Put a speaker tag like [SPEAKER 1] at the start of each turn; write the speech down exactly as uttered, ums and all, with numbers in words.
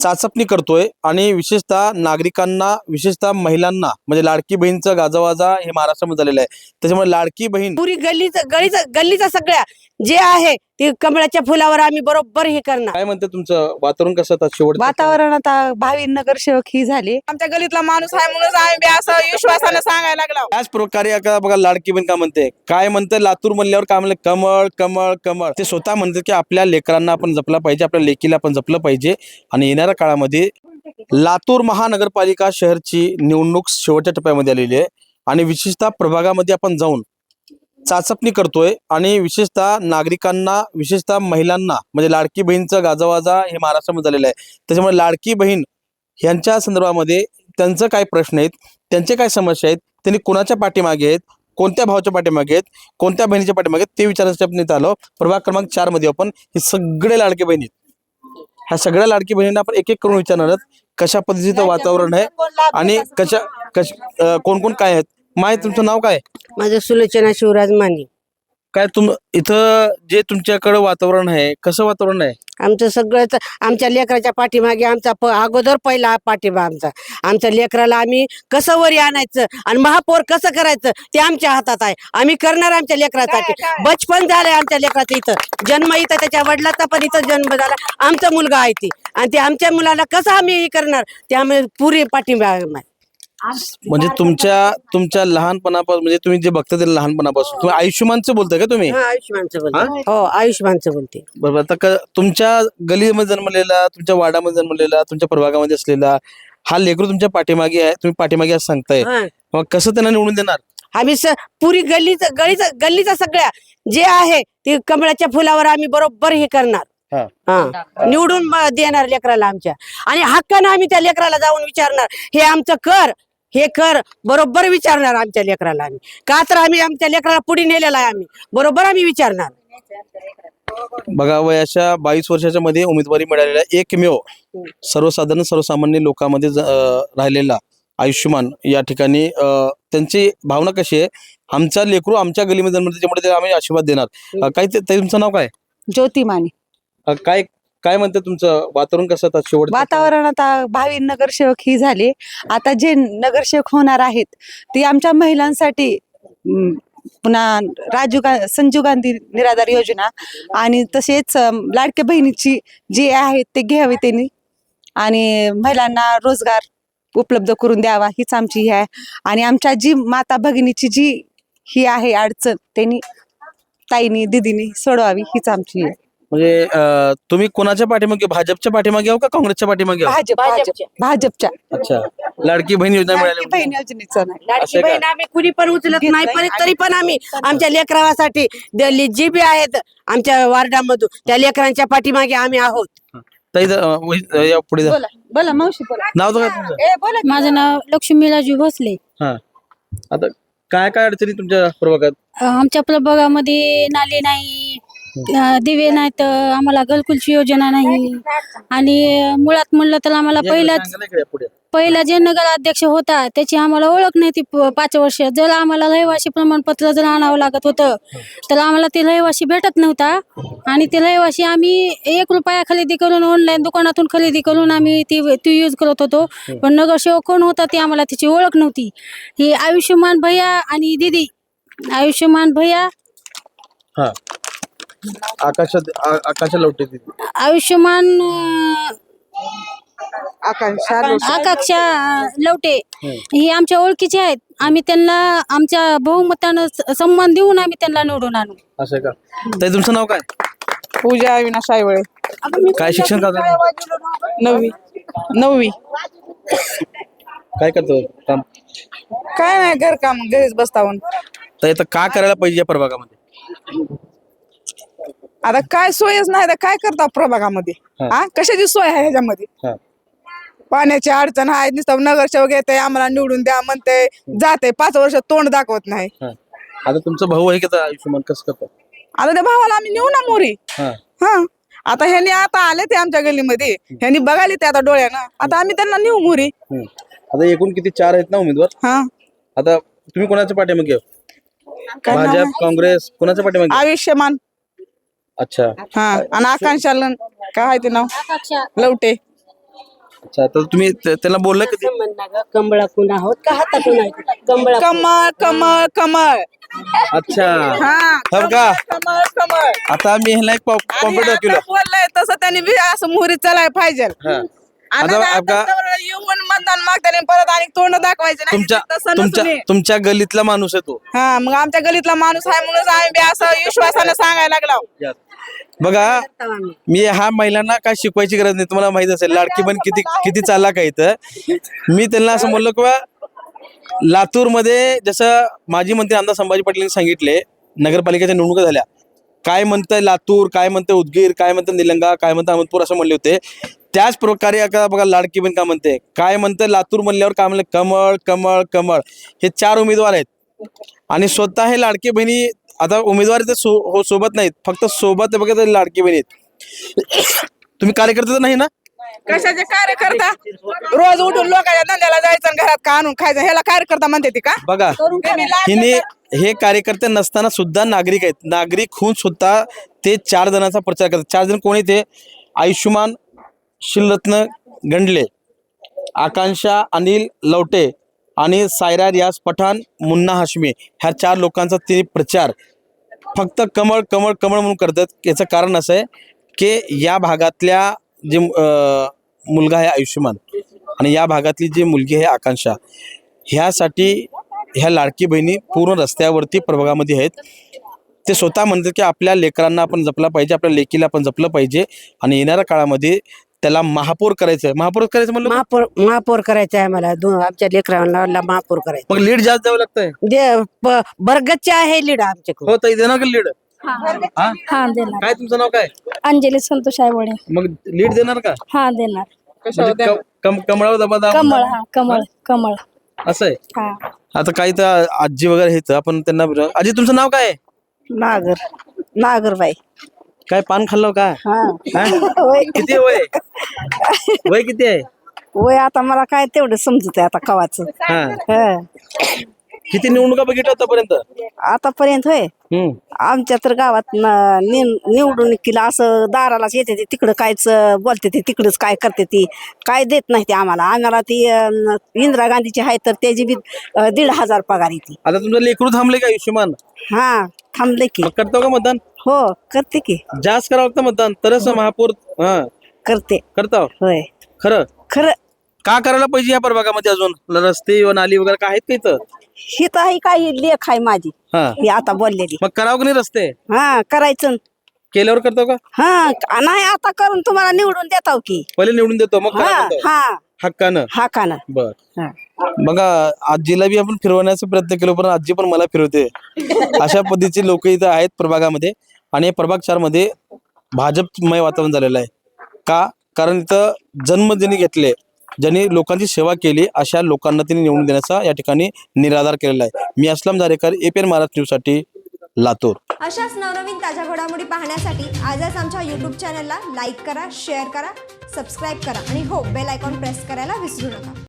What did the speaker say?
[SPEAKER 1] चाचपणी करतोय आणि विशेषतः नागरिकांना, विशेषतः महिलांना म्हणजे लाडकी बहीणचं गाजावाजा हे महाराष्ट्रामध्ये झालेलं आहे. त्याच्यामुळे लाडकी बहीण
[SPEAKER 2] पुरी गल्लीचं गळीचं गल्लीचं सगळ्या जे आहे ते कमळाच्या फुलावर आम्ही बरोबर हे करणार.
[SPEAKER 1] काय म्हणते तुमचं वातावरण कसं आता शेवट
[SPEAKER 3] वातावरण आता भावी नगरसेवक ही झाली.
[SPEAKER 4] आमच्या गलीतला माणूस आहे म्हणून आम्ही बी असं विश्वासाने सांगायला लागलो.
[SPEAKER 1] त्याच प्रकारे आता बघा लाडकी बहीण का म्हणते, काय म्हणते लातूर म्हणल्यावर काय म्हणले, कमळ कमळ कमळ. ते स्वतः म्हणतात की आपल्या लेकरांना आपण जपलं पाहिजे, आपल्या लेकीला आपण जपलं पाहिजे. आणि येणाऱ्या काळामध्ये लातूर महानगरपालिका शहरची निवडणूक शेवटच्या टप्प्यामध्ये आलेली आहे आणि विशेषतः प्रभागामध्ये आपण जाऊन चाचपणी करतोय आणि विशेषतः नागरिकांना, विशेषतः महिलांना म्हणजे लाडकी बहीणचं गाजावाजा हे महाराष्ट्रामध्ये झालेलं आहे. त्याच्यामुळे लाडकी बहीण यांच्या संदर्भामध्ये त्यांचं काय प्रश्न आहेत, त्यांचे काय समस्या आहेत, त्यांनी कोणाच्या पाठीमागे आहेत, कोणत्या भावाच्या पाठीमागे आहेत, कोणत्या बहिणीच्या पाठीमागे आहेत ते विचारण्यासाठी आपण इथं आलो. प्रभाग क्रमांक चार मध्ये आपण हे सगळे लाडकी बहिणी आहेत. ह्या सगळ्या लाडकी बहिणींना आपण एक एक करून विचारणार आहोत कशा पद्धतीचं वातावरण आहे आणि कशा कश कोण कोण काय आहेत. माय तुमचं नाव काय?
[SPEAKER 2] माझं सुलोचना शिवराज माने.
[SPEAKER 1] काय तुम इथं जे तुमच्याकडे वातावरण आहे कसं वातावरण आहे?
[SPEAKER 2] आमचं सगळं आमच्या लेकराच्या पाठीमागे आमचा प अगोदर पहिला पाठिंबा आमचा. आमच्या लेकराला आम्ही कसं वरी आणायचं आणि महापौर कसं करायचं ते आमच्या हातात आहे. आम्ही करणार आमच्या लेकरासाठी. बचपन झालंय आमच्या लेकराचं, इथं जन्म इथं त्याच्या वडिलाचा पण इथं जन्म झाला. आमचा मुलगा आहे ती आणि ते आमच्या मुलाला कसं आम्ही हे करणार त्यामुळे पुरी पाठिंबा आहे.
[SPEAKER 1] म्हणजे तुमच्या तुमच्या लहानपणापासून म्हणजे तुम्ही जे बघता ते लहानपणापासून तुम्ही आयुष्यमानचं बोलताय का तुम्ही?
[SPEAKER 2] हा, आयुष्यमानचं बोलते. हो, आयुष्यमानचं बोलते.
[SPEAKER 1] बरोबर. आता क- तुमच्या गलीमध्ये जन्मलेला, तुमच्या वाडामध्ये जन्मलेला, तुमच्या प्रभागामध्ये असलेला हा लेकरू तुमच्या पाठीमागे आहे, तुम्ही पाठीमागे असं सांगताय,
[SPEAKER 2] हा.
[SPEAKER 1] मग कसं त्यांना निवडून देणार?
[SPEAKER 2] आम्ही स पुरी गल्लीचं गळीचं गल्लीचं सगळ्या जे आहे ते कमळाच्या फुलावर आम्ही बरोबर हे करणार.
[SPEAKER 1] हा.
[SPEAKER 2] हा, निवडून ब- देणार लेकराला आमच्या आणि हक्कानं आम्ही त्या लेकराला जाऊन विचारणार, हे आमचं कर, हे कर, बरोबर विचारणार आमच्या लेकराला आम्ही. का तर आम्ही आमच्या लेकराला पुढे नेलेला आहे, आम्ही बरोबर आम्ही विचारणार.
[SPEAKER 1] बघा, वयाच्या बावीस वर्षाच्या मध्ये उमेदवारी मिळालेला एकमेव सर्वसाधारण सर्वसामान्य लोकांमध्ये ज- अं, राहिलेला आयुष्यमान या ठिकाणी अं, त्यांची भावना कशी आहे, आमचा लेकरू आमच्या गलीमध्ये जन्मले त्याच्यामुळे त्याला आम्ही आशीर्वाद देणार. अं, काय ते ताई, तुमचं नाव काय?
[SPEAKER 3] ज्योती माने.
[SPEAKER 1] अं, काय काय म्हणते तुमचं वातावरण कसं आता शेवट?
[SPEAKER 3] वातावरण आता भावी नगरसेवक ही झाली. आता जे नगरसेवक होणार आहेत ते आमच्या महिलांसाठी अं, पुन्हा राजीव गा संजीव गांधी निराधार योजना आणि तसेच अं, लाडक्या बहिणीची जी आहेत ते घ्यावे त्यांनी आणि महिलांना रोजगार उपलब्ध करून द्यावा हीच आमची ही आहे. आणि आमच्या जी माता भगिनीची जी ही आहे अडचण त्यांनी ताईनी दिदीनी सोडवावी हीच आमची आहे.
[SPEAKER 1] म्हणजे अं, तुम्ही कोणाच्या पाठीमागे, भाजपच्या पाठीमागे आहो का काँग्रेसच्या पाठीमागे आहो?
[SPEAKER 3] भाजप भाजप भाजपच्या
[SPEAKER 1] अच्छा, लाडकी बहीण योजना
[SPEAKER 3] लाडकी
[SPEAKER 1] मिळाली
[SPEAKER 3] बहीण योजनेचं नाही.
[SPEAKER 2] लाडकी
[SPEAKER 1] असं का?
[SPEAKER 2] बहीण आम्ही कुणी पण उचलत
[SPEAKER 3] घेत
[SPEAKER 2] नाही,
[SPEAKER 3] नाही.
[SPEAKER 2] पण तरी पण आम्ही आमच्या लेकरासाठी दिल्ली जी बी आहेत आमच्या वार्डामधून त्या लेकरांच्या पाठीमागे आम्ही आहोत.
[SPEAKER 1] ताई, अं, वही- या पुढे जा.
[SPEAKER 3] बोला बोला मावशी बोला.
[SPEAKER 1] नाव तर काय तुमचं?
[SPEAKER 3] ए बोला.
[SPEAKER 5] माझं नाव लक्ष्मी राजू भोसले.
[SPEAKER 1] हा, आता काय काय अडचणी तुमच्या प्रभागात?
[SPEAKER 5] अ, आमच्या प्रभागामध्ये नाले नाही, अ, दिवे नाहीत, आम्हाला घरकुलची योजना नाही आणि मुळात म्हणलं तर आम्हाला
[SPEAKER 1] या
[SPEAKER 5] पहिलाच
[SPEAKER 1] सांगा ना इकडे पुढे.
[SPEAKER 5] पहिला जे नगराध्यक्ष होता त्याची आम्हाला ओळख नाही ती प- पाच वर्ष. जर आम्हाला रहिवासी प्रमाणपत्र जर आणावं लागत होतं तर आम्हाला ते रहिवासी भेटत नव्हता आणि ते रहिवासी आम्ही एक रुपया खरेदी करून ऑनलाईन दुकानातून खरेदी करून आम्ही ती ती यूज करत होतो. पण नगरसेवक कोण होता ती आम्हाला त्याची ओळख नव्हती. ही आयुष्यमान भैया आणि दिदी, आयुष्यमान भैया,
[SPEAKER 1] हा, आकाशात आ- आकाशा लवटे तिथे.
[SPEAKER 5] आयुष्यमान अं,
[SPEAKER 4] आकांक्षा
[SPEAKER 5] आकांक्षा लवटे ही आमच्या ओळखीचे आहेत. आम्ही त्यांना आमच्या बहुमतानं स- सन्मान देऊन आम्ही त्यांना निवडून आणू.
[SPEAKER 1] असं का? ताई, तुमचं नाव काय?
[SPEAKER 4] पूजा अविनाश आईवळे.
[SPEAKER 1] काय शिक्षण करता?
[SPEAKER 4] नववी नववी
[SPEAKER 1] काय करतो काम?
[SPEAKER 4] काय नाही, घरकाम घरीच बसतावून.
[SPEAKER 1] तर आता काय करायला पाहिजे या प्रभागामध्ये?
[SPEAKER 4] आता काय सोयच नाही तर काय करता प्रभागामध्ये?
[SPEAKER 1] हा.
[SPEAKER 4] हा, कशाची सोय आहे ह्याच्यामध्ये?
[SPEAKER 1] हा.
[SPEAKER 4] पाण्याची अडचण आहे, नुसतं नगरसेवक येते आम्हाला निवडून द्या म्हणते, जाते पाच वर्ष तोंड दाखवत नाही.
[SPEAKER 1] हा. आता तुमचा भाऊ आहे की आता आयुष्यमान कसं करतो?
[SPEAKER 4] आता त्या भावाला आम्ही नेऊ ना मोरी.
[SPEAKER 1] हा.
[SPEAKER 4] हा, आता ह्यांनी आता आले ते आमच्या गलीमध्ये, ह्यांनी बघायला ते आता डोळ्यानं, आता आम्ही त्यांना नेऊ मोरी.
[SPEAKER 1] हम्म. आता एकूण किती, चार आहेत ना उमेदवार?
[SPEAKER 4] हा,
[SPEAKER 1] आता तुम्ही कोणाच्या पाठीमागे आहो?
[SPEAKER 4] काय नाव
[SPEAKER 1] भाजप, काँग्रेस, कोणाच्या पाठीमागे?
[SPEAKER 4] आयुष्यमान.
[SPEAKER 1] अच्छा,
[SPEAKER 4] हा, आणि आकांक्षा लन- काय आहे ते नाव?
[SPEAKER 5] आकांक्षा
[SPEAKER 4] लवटे.
[SPEAKER 1] अच्छा तर तुम्ही त- त्यांना बोललं कधी
[SPEAKER 2] कमळाकून आहोत का हातातून आहे कमळा
[SPEAKER 4] कमळ कमळ कमळ
[SPEAKER 1] अच्छा
[SPEAKER 4] हा
[SPEAKER 1] हो का
[SPEAKER 4] कमळ कमळ
[SPEAKER 1] आता मी ह्याला एक
[SPEAKER 4] आणि
[SPEAKER 1] कॉम्प्युटर
[SPEAKER 4] आता
[SPEAKER 1] केलं
[SPEAKER 4] बोललंय तसं त्यांनी बी असं मुहूर्त चालाय पाहिजे
[SPEAKER 1] हा
[SPEAKER 4] आणि
[SPEAKER 1] आता
[SPEAKER 4] आता
[SPEAKER 1] आपका-
[SPEAKER 4] जवळ येऊन मतदान मागताना परत आणि तोंड दाखवायचे नाही
[SPEAKER 1] तुमच्या
[SPEAKER 4] तसं
[SPEAKER 1] तुमच्या
[SPEAKER 4] नसून हे.
[SPEAKER 1] तुमच्या गलीतला माणूस आहे तो
[SPEAKER 4] हा मग आमच्या गलीतला माणूस आहे म्हणून आम्ही बी असं विश्वासानं सांगायला लागलो
[SPEAKER 1] बघा मी हा महिलांना काय शिकवायची गरज नाही तुम्हाला माहित असेल लाडकी बहीण किती किती चालला काय तर मी त्यांना असं म्हणलो किंवा लातूरमध्ये जसं माजी मंत्री आमदार संभाजी पाटील यांनी सांगितले नगरपालिकेच्या निवडणुका झाल्या काय म्हणतंय लातूर काय म्हणतंय उदगीर काय म्हणतं निलंगा काय म्हणतं अहमदपूर असं म्हणले होते त्याच प्रकारे आता बघा लाडकी बहीण का म्हणते काय म्हणतंय लातूर म्हणल्यावर काय म्हणलं कमळ कमळ कमळ हे चार उमेदवार आहेत आणि स्वतः हे लाडकी बहिणी आता उमेदवार तर सो हो सोबत नाहीत फक्त सोबत बघा तर लाडकी बहिणी आहेत तुम्ही कार्यकर्ते तर नाही ना
[SPEAKER 4] कशाचे कार्यकर्ता रोज उठून लोकांच्या धंद्याला जायचं आणि घरात का आणून खायचं ह्याला कार्यकर्ता म्हणते ती का
[SPEAKER 1] बघा
[SPEAKER 4] त्यांनी लाज
[SPEAKER 1] हिने हे कार्यकर्ते नसताना सुद्धा नागरिक आहेत नागरिक होऊन सुद्धा ते चार जणांचा प्रचार करतात चार जण कोण आहेत ते आयुष्यमान शिलरत्न गंडले आकांक्षा अनिल लवटे आणि सायरा रियाज पठाण मुन्ना हाशमी ह्या चार लोकांचा ते प्रचार फक्त कमळ कमळ कमळ म्हणून करतात याचं कारण असं आहे की या भागातल्या जे अं, मुलगा आहे आयुष्यमान आणि या भागातली जी मुलगी आहे आकांक्षा ह्यासाठी ह्या लाडकी बहिणी पूर्ण रस्त्यावरती प्रभागामध्ये आहेत ते स्वतः म्हणतात की आपल्या लेकरांना आपण जपलं पाहिजे आपल्या लेकीला आपण जपलं पाहिजे आणि येणाऱ्या काळामध्ये त्याला महापौर करायचं आहे महापौर करायचं म्हणलं
[SPEAKER 2] महापौर महापौर करायचं आहे मला दोन आमच्या लेकरांना महापौर करायचं
[SPEAKER 1] मग लीड जास्त द्यावं लागतंय
[SPEAKER 2] दे ब- बरगतचे आहे लीड आमच्याकडून
[SPEAKER 1] हो ताई देणार का लीड हा
[SPEAKER 5] हा देणार
[SPEAKER 1] काय तुमचं नाव काय
[SPEAKER 5] अंजली संतोष आयवडे
[SPEAKER 1] मग लीड देणार का
[SPEAKER 5] हा देणार
[SPEAKER 1] म्हणजे क- कम- कमळावर दबा दाबा
[SPEAKER 5] कमळ हा कमळ कमळ
[SPEAKER 1] असं आहे
[SPEAKER 5] हा
[SPEAKER 1] आता काही तर आजी वगैरे आहेत आपण त्यांना विचारू. आजी तुमचं नाव काय आहे?
[SPEAKER 2] नागर नागरबाई
[SPEAKER 1] काय पान खाल्लं का
[SPEAKER 2] हा
[SPEAKER 1] हा? किती वय आहे? वय किती आहे
[SPEAKER 2] वय आता मला काय तेवढं समजत आहे आता कवाचं
[SPEAKER 1] हा
[SPEAKER 2] हं.
[SPEAKER 1] किती निवडणुका बघितल्या आतापर्यंत
[SPEAKER 2] आतापर्यंत होय
[SPEAKER 1] हम्म
[SPEAKER 2] आमच्या तर गावात न- नि- निवडून केलं असं दारालाच येते ते तिकडं कायच बोलते ते तिकडंच काय करते ती काय देत नाही ते आम्हाला आम्हाला ती अं, इंदिरा गांधीची आहे तर त्याची बी अं, दीड हजार पगार येते
[SPEAKER 1] आता तुमचं लेकरू थांबले का आयुष्यमान
[SPEAKER 2] हा थांबले की
[SPEAKER 1] मग करतो का मतदान
[SPEAKER 2] हो करते की
[SPEAKER 1] जास्त करावं लागतं मतदान तरच महापौर हा
[SPEAKER 2] करते
[SPEAKER 1] करता
[SPEAKER 2] होय
[SPEAKER 1] खरं
[SPEAKER 2] खरं
[SPEAKER 1] का करायला पाहिजे या प्रभागामध्ये अजून रस्ते व नाली वगैरे काय आहेत का इथं
[SPEAKER 2] ही तर ही काही लेख आहे माझी
[SPEAKER 1] हा
[SPEAKER 2] ही आता बोललेली
[SPEAKER 1] मग करावं का नाही रस्ते
[SPEAKER 2] हा करायचं
[SPEAKER 1] केल्यावर करतो का
[SPEAKER 2] हा नाही आता करून तुम्हाला निवडून देताव की
[SPEAKER 1] पहिले निवडून देतो मग करा
[SPEAKER 2] हा
[SPEAKER 1] म्हणतो.
[SPEAKER 2] हा
[SPEAKER 1] हक्कानं
[SPEAKER 2] हा का ना
[SPEAKER 1] बर
[SPEAKER 2] हा.
[SPEAKER 1] बघा आजीला बी आपण फिरवण्याचा प्रयत्न केलो पण आजी पण मला फिरवते अशा पद्धतीचे लोक इथं आहेत प्रभागामध्ये आणि या प्रभाग चार मध्ये भाजपमय वातावरण झालेलं आहे का कारण इथं जन्म ज्यांनी घेतले ज्यांनी लोकांची सेवा केली अशा लोकांना त्यांनी निवडून देण्याचा या ठिकाणी निराधार केलेला आहे मी असलम धारेकर एपीएन महाराष्ट्र न्यूज साठी लातूर
[SPEAKER 6] अशाच नवनवीन ताज्या घडामोडी पाहण्यासाठी आजच आमच्या यूट्यूब चॅनलला लाईक करा शेअर करा सबस्क्राईब करा आणि हो बेल आयकॉन प्रेस करायला विसरू नका.